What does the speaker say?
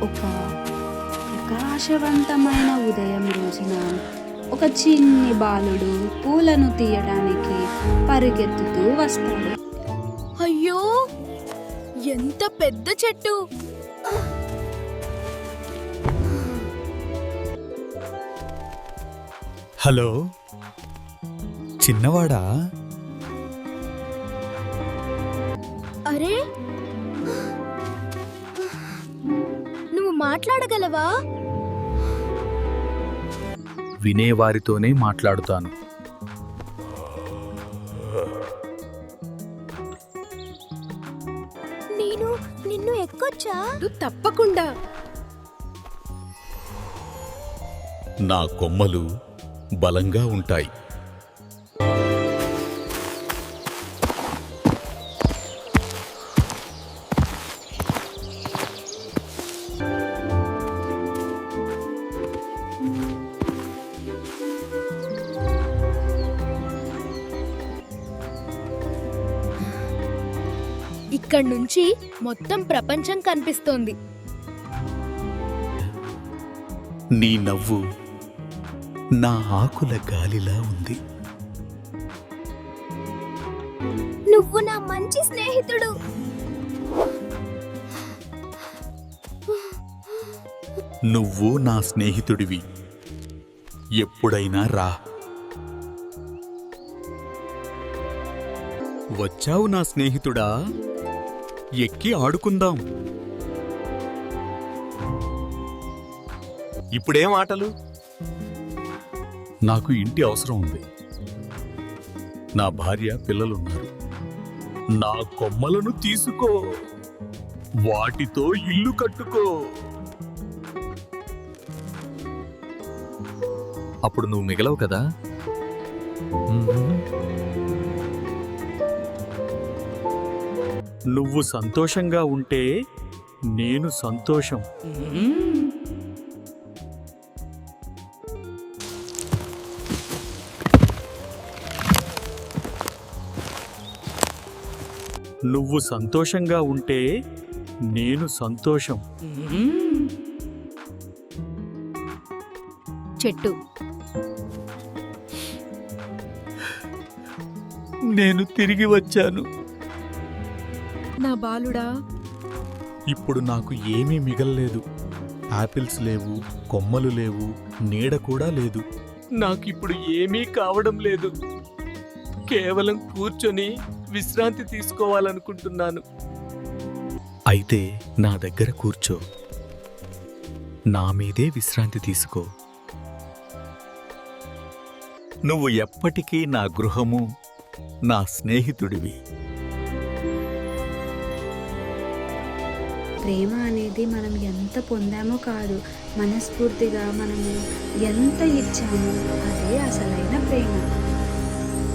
ఒక ప్రకాశవంతమైన ఉదయం రోజున ఒక చిన్ని బాలుడు పూలను తీయడానికి పరిగెత్తుతూ వస్తాడు. అయ్యో, ఎంత పెద్ద చెట్టు! హలో, చిన్నవాడా? అరే, నువ్వు మాట్లాడగలవా? వినేవారితోనే మాట్లాడుతాను. నేను నిన్ను ఎక్కొచ్చా? తప్పకుండా. నా కొమ్మలు బలంగా ఉంటాయి. ఇక్కడి నుంచి మొత్తం ప్రపంచం కనిపిస్తోంది. నీ నవ్వు నా ఆకుల గాలిలా ఉంది. నువ్వు నా మంచి స్నేహితుడు. నువ్వు నా స్నేహితుడివి. ఎప్పుడైనా రా. వచ్చావు నా స్నేహితుడా, ఎక్కి ఆడుకుందాం. ఇప్పుడేం ఆటలు? నాకు ఇంటి అవసరం ఉంది. నా భార్య, పిల్లలున్నారు. నా కొమ్మలను తీసుకో, వాటితో ఇల్లు కట్టుకో. అప్పుడు నువ్వు మిగలవు కదా? నువ్వు సంతోషంగా ఉంటే నేను సంతోషం. నువ్వు సంతోషంగా ఉంటే నేను సంతోషం. చెట్టు. నేను తిరిగి వచ్చాను. నా బాలుడా. ఇప్పుడు నాకు ఏమీ మిగల్లేదు. ఆపిల్స్ లేవు, కొమ్మలు లేవు, నీడ కూడా లేదు. నాకిప్పుడు ఏమీ కావడం లేదు. కేవలం కూర్చొని విశ్రాంతి తీసుకోవాలనుకుంటున్నాను. అయితే నా దగ్గర కూర్చో, నా మీదే విశ్రాంతి తీసుకో. నువ్వు ఎప్పటికీ నా గృహము, నా స్నేహితుడివి. ప్రేమ అనేది మనం ఎంత పొందామో కాదు, మనస్ఫూర్తిగా మనము ఎంత ఇచ్చామో అదే అసలైన ప్రేమ.